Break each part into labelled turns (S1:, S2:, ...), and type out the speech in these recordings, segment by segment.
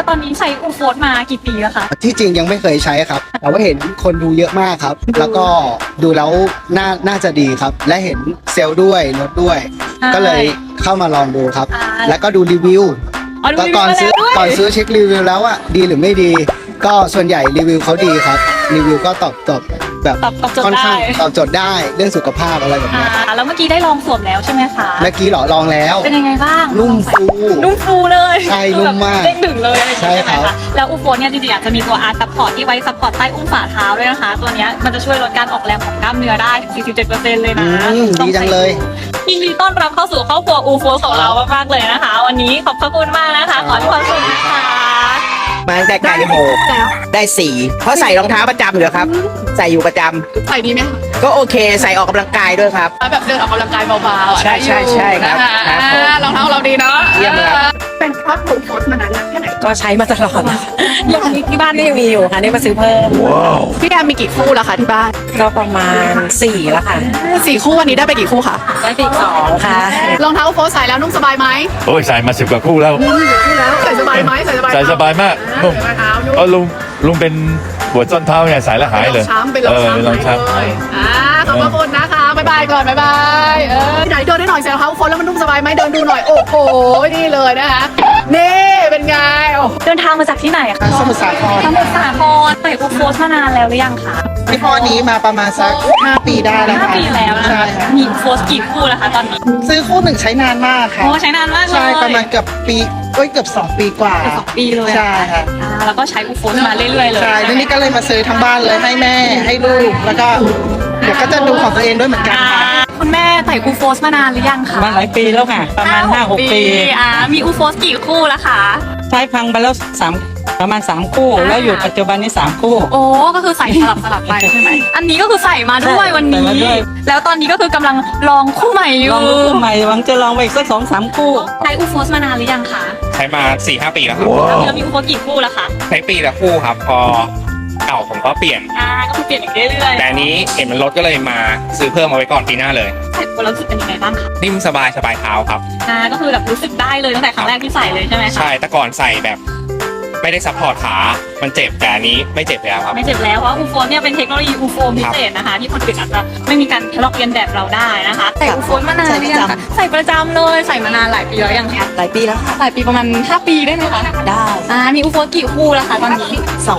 S1: ตอนนี้ใช้อูโฟสมากี่ปีแล้วคะ
S2: ที่จริงยังไม่เคยใช้ครับแต่ว่าเห็นคนดูเยอะมากครับแล้วก็ดูแล้วน่าจะดีครับและเห็นเซลล์ด้วยลดด้วยก็เลยเข้ามาลองดูครับแล้วก็ดูรีวิวก่อนซื้อเช็ครีวิวแล้วอะดีหรือไม่ดีก็ส่วนใหญ่รีวิวเขาดีครับรีวิวก็ตอบแบบค่อนข้างตอบโจทย์ได้เรื่องสุขภาพอะไรแบบนี้
S1: แล้วเมื่อกี้ได้ลองสวมแล้วใช่ไหมคะ
S2: เมื่อกี้ลองแล้ว
S1: เป็นยังไงบ้าง
S2: นุ่มฟู
S1: เลย
S2: ใช่นุ่มมาก
S1: เด้งดึงเลย
S2: ใช่ครับ
S1: แล้วอูโฟสเนี่ยจริงๆอาจจะมีตัวอาร์ตซัพพอร์ตที่ไว้ซัพพอร์ตใต้อุ้งฝ่าเท้าด้วยนะคะตัวนี้มันจะช่วยลดการออกแรงของกล้ามเนื้อได้ถึง 47% เลยนะ
S2: ดีจังเลย
S1: ยินดีต้อนรับเข้าสู่ครอบครัวอูโฟสของเรามากๆเลยนะคะวันนี้ขอบคุณมากนะคะขอให้ความสุขนะคะ
S3: มาตั้งแต่ไก่โหได้4เพราะใส่รองเท้าประจำอยู่แล้วครับใส่อยู่ประจำ
S4: ใส่ดีไหมคะ
S3: ก็โอเคใส่ออกกำลังกายด้วยครับ
S4: แบบเดินออกกำลังกายเบาๆ
S3: ใช่ครับ
S4: รองเท้าเราดีเนาะ
S3: เยี่ยมเลย
S4: เป็นครอบครัวโฟสมานานแค่ไหน
S5: ก็ใช้มาตลอดยังที่บ้านก็ยังมีอยู่ค่ะนี่มาซื้อเพิ่ม
S4: พี่แอมมีกี่คู่แล้วคะที่บ้าน
S5: ก็ประมาณ4แล้วค่ะ
S4: 4 คู่วันนี้ได้ไปกี่คู่คะ
S5: ได้ไป2ค่ะ
S4: รองเท้าโฟสใส่แล้วนุ่มสบายไหม
S6: โอ้ยใส่มา10 กว่าคู่แล้ว
S4: ใส่สบายไหม
S6: ใส่สบายมากนุ่มก็ลุงเป็นปวดส้นเท้าเนี่ยใส่แล้วหายเลย
S4: เป็นรองช้ำขอบคุณนะคะบ๊ายบายก่อนบ๊ายบายไหนเดินได้หน่อยใส่รองเท้าโฟสแล้วมันนุ่มสบายไหมเดินดูหน่อยโอ้โหนี่เลยนะคะนี่เป็นไง
S1: เดินทางมาจากที่ไหนคะ
S2: สมุทรสาคร
S1: ใส่อูโฟสมานานแล้วหรือยังคะ
S2: ยี่ห้อนี้มาประมาณสัก5 ปีได้แล้ว
S1: 5 ปีแล้วนะคะมีอูโฟสกี่คู่แล้วคะตอนนี้
S2: ซื้อคู่หนึ่งใช้นานมากค่ะ
S1: โอ้ใช้นานมากเลย
S2: ใช่ประมาณเกือบปีเกือบ2 ปีกว่า
S1: 2 ปีเลย
S2: ใช่ค่ะ
S1: แล้วก็ใช้อูโฟสมาเรื่อยๆเลย
S2: ใช่ทีนี้ก็เลยมาซื้อทั้งบ้านเลยให้แม่ให้ลูกแล้วก็เดี๋ยวก็จะดูของตัวเองด้วยเหมือนกัน
S1: คุณแม่ใส่อูโฟสมานานหรือยังคะ
S5: มาหลายปีแล้วค่ะประมาณ 5-6 ปี
S1: มีอูโฟสกี่คู่แล้วคะ
S5: ใช้พังไปแล้วประมาณ3 คู่แล้วอยู่ปัจจุบันนี้3 คู่
S1: โอ้ก็คือใส่สลับไปใช่ไหมอันนี้ก็คือใส่มาด้วยวันนี้แล้วตอนนี้ก็คือกำลังลองคู่ใหม่อยู่
S5: ลองคู่ใหม่หวังจะลองไปอีกสัก2-3 คู่
S1: ใช้อูโฟสมานานหรือยังคะ
S7: ใช้มา 4-5 ปีแล้วครับ
S1: แล้วมีอูโฟสกี่คู่แล้วคะ
S7: ใช้ปีละคู่ครับพอเก่าผมก็เปลี่ยน
S1: ก็คือเปลี่ยนอีกเรื่อยๆ
S7: แต่อันนี้เห็นมันลดก็เลยมาซื้อเพิ่มมาไว้ก่อนปีหน้าเลย
S1: ใส่แล้วรู้สึกเป็นยังไงบ้างคะ
S7: นิ่มสบายเท้าครับ
S1: ก็คือแบบรู้สึกได้เลยตั้งแต่ครั้งแรกที่ใส่เลยใช่ไหมคะ
S7: ใช่แต่ก่อนใส่แบบไม่ได้ซัพพอร์ตขามันเจ็บแต่อันนี้ไม่เจ็บแล้วครับ
S1: ไม่เจ็บแล้วเพราะอูโฟสเนี่ยเป็นเทคโนโลยีอูโฟมพิเศษนะคะที่คนอื่นอาจจะไม่มีการลอกเลียนแบบเราได้นะคะใส่อูโฟสมานานหรือยังคะใส่ประจำเลยใส่มานานหลายปีแล้วยังคะ
S5: หลายปีแล้วค่ะ
S1: หลายปีประมาณ5 ปีได้ไหมคะ
S5: ได้
S1: มีอูโฟสกี่คู่แล้วคะตอนนี้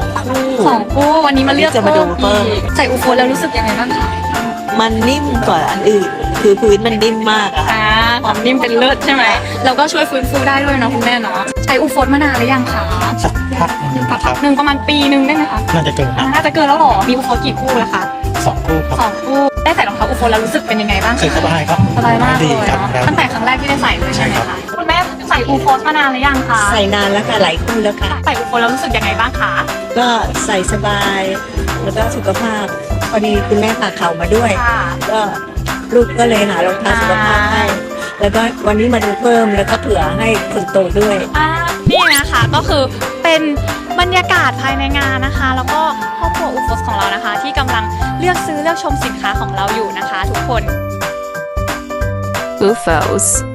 S1: 2 คู่วันนี้มาเลือก
S5: จะมาดูเพิ่ม
S1: ใส่อูโฟสแล้วรู้สึกยังไงบ้างคะ
S5: มันนิ่มกว่าอันอื่นคือพื้นมันนิ่มมาก
S1: ความนิ่มเป็นเลิศใช่ไหมแล้วก็ช่วยฟื้นฟูได้ด้วยเนาะคุณแม่เนาะใช้อูโฟสมานานหรือยังคะพักหนึ่งประมาณปีนึงได้ไหมคะ
S2: น่าจะเกิน
S1: แล้วหรอมีอูโฟสกี่คู่แล้วคะ
S2: 2 คู่ครับ
S1: 2 คู่ได้ใส่รองเท้าอูโฟสแล้วรู้สึกเป็นยังไงบ้างคะ
S2: สบายครับ
S1: สบายมากเลยตั้งแต่ครั้งแรกที่ได้ใส่เลยใช่ไหมคะคุณแม่ใส่อูโฟสมานานหรือยังคะ
S5: ใส่นานแล้วค่ะหลายคู่แล้วค่ะ
S1: ใส่อูโฟสแล้วรู้สึกยังไงบ้างคะ
S5: ก็ใส่สบายแล้วก็สุขภาพพอดีคุณแม่ผ่าเข่ามาด้วยก็ลูกก็เลยหารองเท้าสุขภาพให้แล้วก็วันนี้มาดูเพิ่มแล้วก็เผื่อให้คนโตด้วย
S1: นี่นะคะก็คือเป็นบรรยากาศภายในงานนะคะแล้วก็ครอบครัวอูโฟสของเรานะคะที่กำลังเลือกซื้อเลือกชมสินค้าของเราอยู่นะคะทุกคน
S8: UFOs